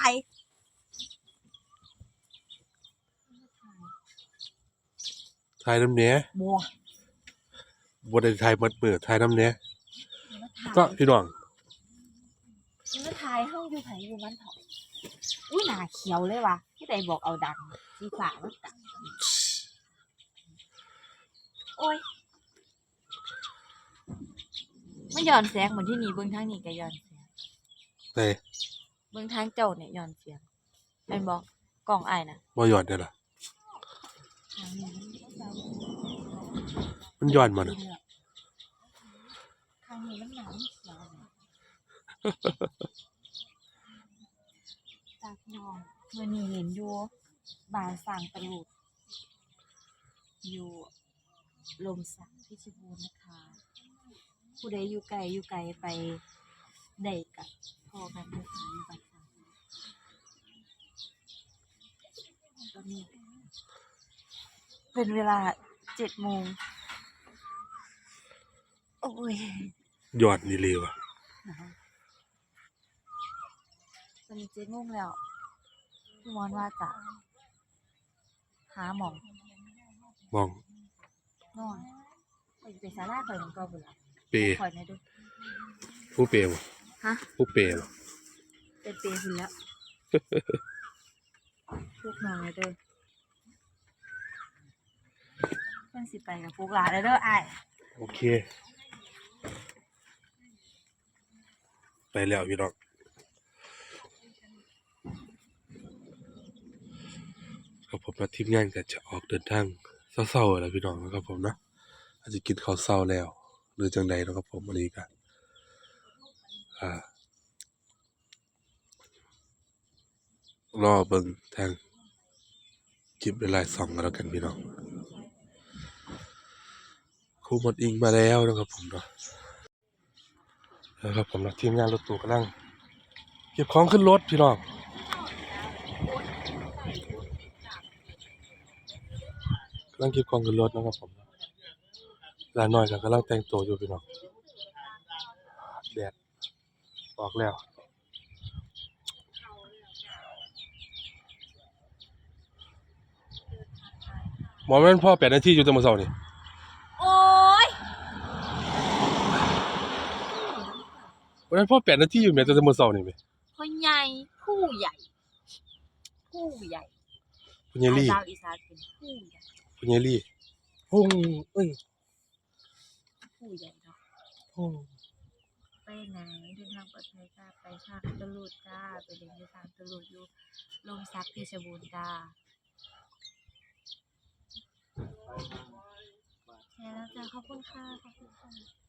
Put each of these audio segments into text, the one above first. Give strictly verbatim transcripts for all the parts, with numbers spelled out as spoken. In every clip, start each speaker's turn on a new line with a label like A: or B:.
A: าย
B: ถ่ายน้ำเนี้ย
A: บัว
B: บัวได้ถ่ายมัดมือถ่ายน้ำเนี้ยก็พี่น้อง
A: มาถ่ายห้องอยู่ไผอยู่มันเถาะอุ้ยหน้าเขียวเลยว่ะที่ใดบอกเอาดังสีฟ้ามันดังโอ้ยมันย้อนแสงเหมือนที่นี่เบิ่งทางนี้ก็ย้อนแสง
B: ไหน
A: เบิ่งทางเจ้าเนี่ยย้อนเสียงแม่นบ่กล้องอ้ายน่ะ
B: บ่ย้อนได้ล่ะมันย้อนมาน่ะ
A: ทางนี้มันหนาวเขียวจากน้องมื้อนี้เห็นอยู่บ้านสร้างตะลุดอยู่ลมสักเพชรบูรณ์นะคะผู้ใดอยู่ไกลอยู่ไกลไปได้กับพ่อกันเด้อค่ะอยู่บ้านสร้างตอนนี้เป็นเวลาเจ็ดโมงโอ้ย
B: ย้อนนี่เลยว่ะ
A: ตอนนี้เจ็ดโมงแล้วพี่มอนว่าจะหาหมอง
B: มอง
A: นอนไปไปศาลาข่อยมันก็บ่ล่ะ
B: เป
A: ข่อยแม่ดู
B: ผู้เปย์บ่
A: ฮะ
B: ผู้เปย์บ่
A: เป็นเปย์พุ่นแล้วพวกน้องเด้อเพิ่นสิไปกับพวกหลานเด้ออ้าย
B: โอเคไปแล้วพี่น้องครับผมและทีมงานก็จะออกเดินทางเศร้าๆแล้วพี่น้องนะครับผมนะอาจจะกินข้าวเศร้าแล้วหรือจังใดนะครับผมวันนี้ก็อ่ารอเบิ่งทางคลิปหลายๆช่องกันแล้วกันพี่น้องครูหมดอิงมาแล้วนะครับผมเนาะนะครับผมนะทีมงานรถตู้กำลังเก็บของขึ้นรถพี่น้องกำลังเก็บของขึ้นรถนะครับผมหลานน้อยก็กำลังแต่งตัวอยู่พี่น้องแดดออกแล้วหมอแม่นพ่อแปดนาทีอยู่แตะมื้อเช้านี่
A: โอ๊ย
B: วันนั้นพ่อแปดนาทีอยู่แม่แต่มื้อเช้านี่แม่
A: พ่อใหญ่ผู้ใหญ่ผู้ใหญ่
B: พ่อใหญ่ลี่
A: ดาวอีสานเป็นผู้ใหญ่
B: พ่อใหญ่ลี่พุ่งเอ้ย
A: ผู้ใหญ่เนาะ
B: พุ่ง
A: ไปไหนเดินทางปลอดภัยจ้าไปทางตะลุดจ้าไปเดินทางตะลุดอยู่ลมซักเพชรบูรณ์จ้าแชร์แล้วจ้าขอบคุณค่ะขอบคุณค่ะ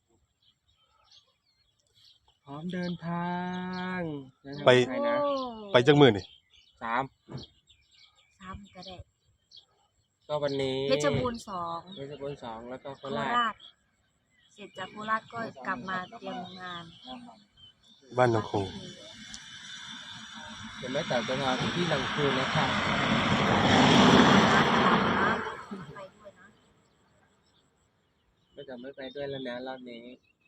C: พร้อมเดินทาง
B: ไปไปจักมื้อนี่
C: สาม
A: สามก็ได้
C: ก็วันนี้
A: เพชรบูรณ์สอง
C: เพชรบูรณ์สองแล้วก็โค
A: โค
C: รา
A: รา
C: ช
A: ชเสร็จจากโคราชก็กลับมาเตรียมงาน
B: บ้านนางคง
C: เดี๋ยวแม่แต่จะมาที่ลำพูนนะครับ
A: ไปด้วยนะ
C: แม่แต่ไม่ไปด้วยแล้วนะรอบนี้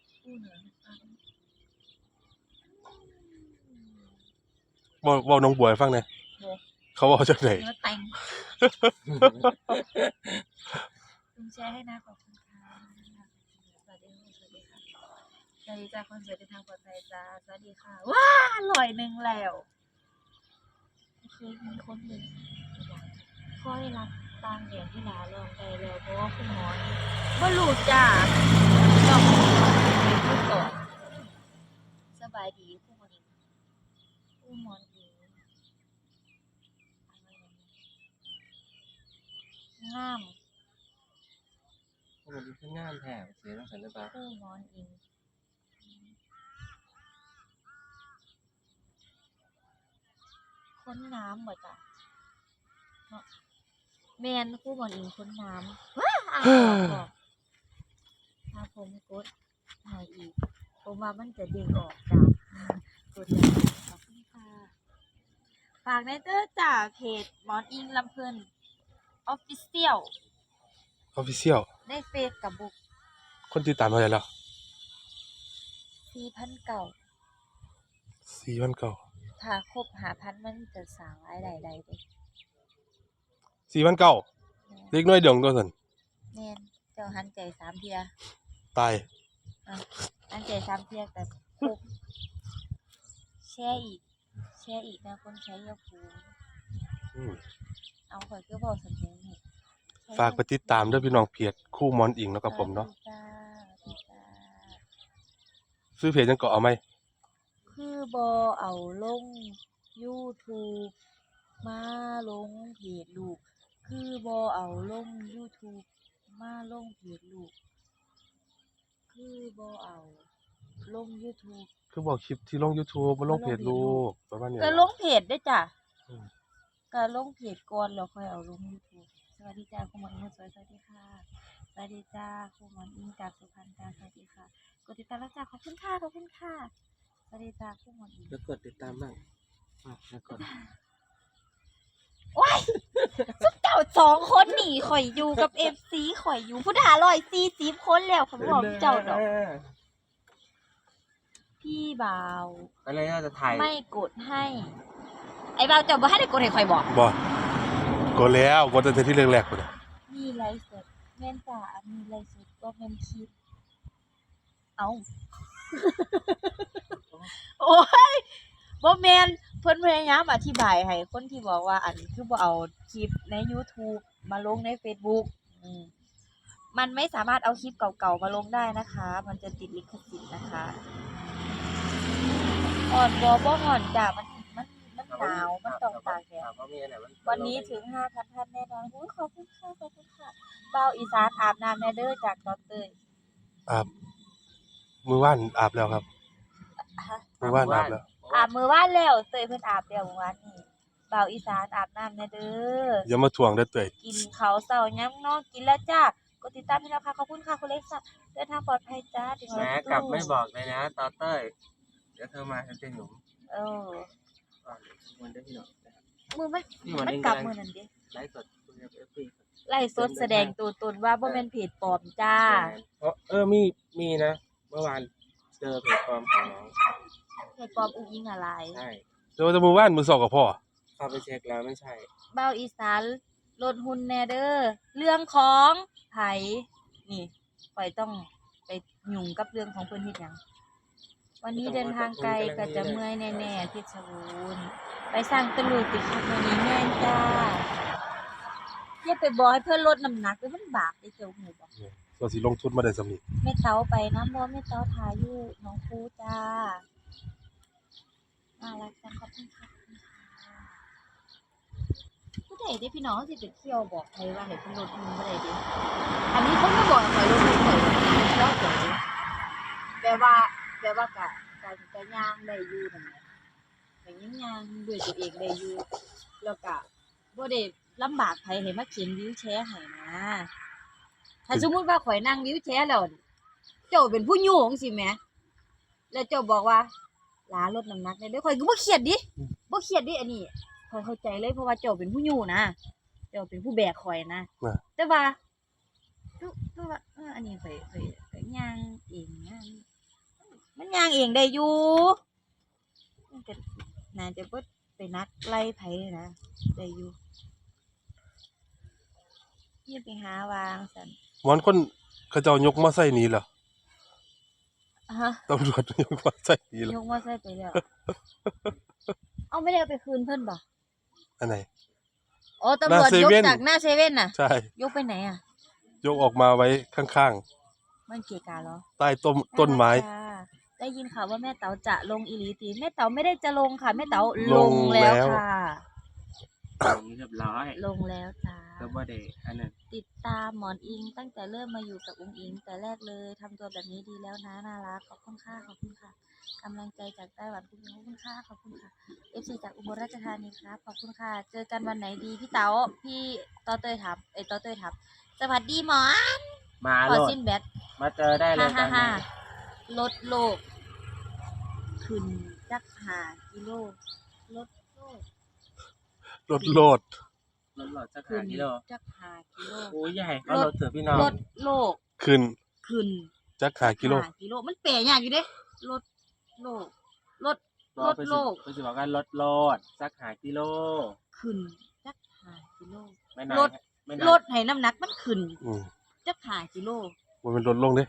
B: บ่บ่น้องบัวให้ฟังหน่อยเขาเว้าจังได๋
A: เนื้อแต่งคุณแชร์ให้นะขอบคุณค่ะสวัสดีสวัสดีค่ะสวัสดีจ้าคนสวยเดินทางปลอดภัยจ้าสวัสดีค่ะว้าอร่อยหนึ่งแล้วเคยมีคนหนึ่งค่อยรับตามเดียนที่หลาลองไปแล้วเพราะว่าคุณหมอบ่รู้จ้าต้องพูดก่อนสบายดีคุณหมอดีคุณหมอดีงาม
C: มันเป็นขึ้นงามแถบเสียต้องสันนิบาต
A: คู่มอนอิงค้นน้ำเหมือนกันเนาะแมนคู่มอนอิงค้นน้ำว้าอ่านบอกถ้าผมกดหายอีกผมว่ามันจะเด้งออกจากกดแล้วขอบคุณค่ะฝากในเตอร์จากเพจมอนอิงลำเพลินออฟฟิเชียล
B: ออฟฟิเชียล
A: ในเฟซกับบุ๊ก
B: คนติดตามเท่าไหร่แล้ว
A: สี่พันเก้า
B: สี่พันเก้า
A: ถ้าครบห้าพันมันจะสร้างรายได้ได้เด้
B: สี่พันเก้าเล็กน้อยเดียวตัวซั่น
A: แม่นเจ้าหันใจสามเที่ย
B: ตาย
A: อ่ะหันใจสามเที่ยก็ครบแชร์อีกแชร์อีกนะคนใช้ยาคู
B: อืม
A: เอาข่อยคือบ่สำเร็จนี่
B: ฝากไปติดตามเด้อพี่น้องเพจคู่หมอนอิงเนาะครับผมเนาะ
A: สวัสดีจ้าสวัสดีจ้า
B: ซื้อเพจจังก็เอาไหม
A: คือบ่เอาลง YouTube มาลงเพจลูก คือบ่เอาลง YouTube มาลงเพจลูก คือบ่เอาลง YouTube
B: คือบอกคลิปที่ลง YouTube มาลงเพจลูกประมาณนี้
A: ก็ลงเพจเด้อจ้ะ
B: อืม
A: ก็ลงเพจก่อนแล้วค่อยเอาลง YouTube สวัสดีจ้าคุณหมอนอิงสวยสวัสดีค่ะสวัสดีจ้าคุณหมอนอิงจากสุพรรณจ้าสวัสดีค่ะกดติดตามแล้วจ้าขอบคุณค่ะขอบคุณค่ะสวัสดีจ้าคุณหมอนอิง
C: แล้วกดติดตามบ้างอ่ะแล้วกด
A: ว้ายสุดเจ้าสองคนนี่ข่อยอยู่กับ เอฟ ซี ข่อยอยู่ผู้ด่าร้อยสี่สิบคนแล้วข่อยบ่บอกเจ้าดอกพี่บ่าว
C: อะไรน่าจะถ่าย
A: ไม่กดให้ ไอ้บ่าวเจ้าบ่ให้ได้กดให้ข่อยบอก
B: บ่กดแล้วกดตั้งแต่ที่แรกๆพุ่นน่ะ
A: มีไลฟ์สดแม่นจ้ามีไลฟ์สดก็แม่นคลิปเอ้า โอ้ยบ่แม่นเพิ่นพยายามอธิบายให้คนที่บอกว่าอันคือบ่เอาคลิปใน YouTube มาลงใน Facebook อืมมันไม่สามารถเอาคลิปเก่าๆมาลงได้นะคะ มันจะติดลิขสิทธิ์นะคะอ่อนบ่บ่อ่อนจ้ะมันมันมันหนาวมันต้องตากแดด
C: ถามว่ามีอันไหนมัน
A: วันนี้ถึง ห้าพัน ท่านแน่นอนอุ๊ยขอบคุณค่ะขอบคุณค่ะเบาอีสานอาบน้ำแน่เด้อจากดอนเตย
B: อาบมื้อวานอาบแล้วครับ
A: ฮะ
B: มื้อวานอาบแล้ว
A: อาบมื้อวานแล้วเตยเพิ่นอาบแล้วเมื่อวานนี้เบาอีสานอาบน้ำแน่เด้อ
B: อย่ามาทวงเด้อเต้ย
A: กินข้าวเช้ายังเนาะกินแล้วจ้ากดติดตามพี่น้องค่ะขอบคุณค่ะคุณเล็กซ่าเดินทางปลอดภัยจ้าถึง
C: แหม
A: แล้ว
C: กลับไม่บอกเลยนะตอเต้ยเดี๋ยวเธอมาฉันจะหนุ่ม
A: เออ
C: ก่อนเดี๋ยวมันได้พี่น้องนะครับ
A: มือมัน
C: นี่มัน
A: มัน
C: เอง
A: กลับ
C: กำลัง
A: มื้อนั้นเด้
C: ไลฟ์สดคุยกับเอฟซี
A: ไล่สดแสดงตัวตนว่าบ่แม่นเพจปลอมจ้า
C: เพราะเออมีมีนะ เมื่อวานเจอเพจปลอมของน้อง
A: เพจปลอมอุ้งอิงอะไร
C: ใช่
B: เดี๋ยวจะมื้อวานมื้อสองก็พอ
C: เข้าไปเช็คแล้วไม่ใช่
A: เบาอีสานลดหุ่นแน่เด้อเรื่องของไผนี่ข่อยต้องไปยุ่งกับเรื่องของเพิ่นเฮ็ดหยังวันนี้เดินทางไกลก็จะเมื่อยแน่ๆเพชรบูรณ์ไปสร้างตะลุยติดครับวันนี้แม่นจ้าอย่าไปบอกให้เพิ่นลดน้ำหนักเด้อมันบาปเด้อเจ้าหูบ่
B: ส่วนสิลงทุนมาได้สำนี้
A: แม่เต๋าไปน้ำบ่แม่เต๋าทาอยู่หนองคูจ้าน่ารักจังขอบคุณค่ะผู้ใดได้พี่น้องสิไปเที่ยวบอกใครว่าให้เพิ่นลดหุ่นบ่ได้เด้อันนี้เพิ่นมาบอกให้ลดหุ่นข่อยเนาะเจ้าแปลว่าแปลว่ากะการจะย่างได้อยู่นั่นแหละก็ยังย่างด้วยตัวเองได้อยู่แล้วก็บ่ได้ลำบากไผให้มาเข็นวีลแชร์ให้นะถ้าสมมุติว่าข่อยนั่งวีลแชร์แล้วเจ้าเป็นผู้อยู่จังซี่แหมแล้วเจ้าบอกว่าหลาลดน้ำหนักได้เด้อข่อยก็บ่เครียดดิบ่เครียดดิอันนี้ข่อยเข้าใจเลยเพราะว่าเจ้าเป็นผู้อยู่นะเจ้าเป็นผู้แบกข่อยนะ
B: นะ
A: แต่ว่าคือคือว่าเอออันนี้ข่อยข่อยข่อยย่างเองย่างมันย่างเองได้อยู่มันก็น่าจะบ่ไปนัดไล่ไผนะได้อยู่อย่าไปหาวางซั่น
B: หมอนคนเขาเจ้ายกมาใส่หนี้เหรอ
A: ฮะ
B: ตำรวจยกมาใส่หนี้เหร
A: ย
B: อก
A: มอไซค์ไปแล้ว เอาไม่ได้เอาไปคืนเพิ่นบ่
B: อันไหน
A: อ๋อตำรวจ
B: หน้าเซ
A: ยก
B: เว่น
A: จากหน้าเซเว่นน่ะ
B: ใช่
A: ยกไปไหนอ่ะ
B: ยกออกมาไว้ข้าง
A: มันเกะกะเหรอ
B: ๆ ใต้ต้นต้นไม้
A: น่ารักค่ะได้ยินข่าวว่าแม่เต๋าจะลงอีหลีตีแม่เต๋าไม่ได้จะลงค่ะแม่เต๋าล
B: ล
A: ง
B: ง
A: แล้ว
B: แล้ว
A: ค่ะ
C: อย่างนี้เรียบร้อย
A: ลงแล้วจ้า
C: ก็บ่ได้อันนั้น
A: ติดตามหมอนอิงตั้งแต่เริ่มมาอยู่กับอุ้งอิงแต่แรกเลยทำตัวแบบนี้ดีแล้วนะน่ารักขอบคุณค่ะขอบคุณค่ะกำลังใจจากไต้หวันคุณขอบคุณค่ะขอบคุณค่ะ เอฟ ซี จากอุบลราชธานีครับขอบคุณค่ะ เจอกันวันไหนดีพี่เต๋าพี่ต่อเตยถามเอ้ยต่อเตยถามสวัสดีหมอน
C: มา
A: ข
C: โล
A: อ
C: ด
A: สิ้นแบต
C: มาเจอได้เล
A: ฮ่าย
C: ตอ
A: ฮ่าน ฮ่า
C: นี้
A: ลดโลก ขึ้นจักหากิโลลดโลก
B: รถโลด
C: รถหลอดสัก
A: ขึ้
C: หาน กิโล
A: จักหากิโล
C: โอ้ยใหญ่เขารถเถอะพี่น้อง
A: ลดโลก
B: ขึ้น
A: ขึ้น
B: จักหากิโล
A: หากิโลมันเป๋ยากอยู่เด้ลดโลกลด
C: บ่เพิ่นสิเพิ่นสิบอกว่าลดโลดสักห้ากิโล
A: ขึ้นจักห้ากิโล
C: ไม่นาน
A: ลด
C: ไม่นาน
A: ลดให้น้ำหนักมันขึ้น
B: อืม
A: จักห้ากิโล
B: บ่แม่นลดลงเด้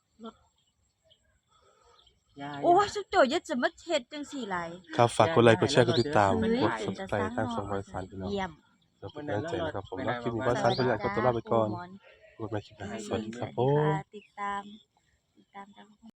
C: ย่า
A: โอ้ยสุดโจอย่าจะมาเฮ็ดจังซี่หลาย
B: ครับฝากกดไลค์กดแชร์กดติดตาม
A: เฮ้ย
B: กด
A: เป็นตา
B: Subscribe
A: สร้าง
B: ทางช่อง
A: เนาะ
B: บริษัทพี่น้อง
A: เยี่ยม
B: เพื่อเป็นกำลังใจนะครับผมเนาะคลิปนี้บริษัทขออนุญาตขอตัวลาไปก่อนพบกันใหม่คลิปหน้าสวัสดีครับผม
A: ติดตาม ติดตามจาก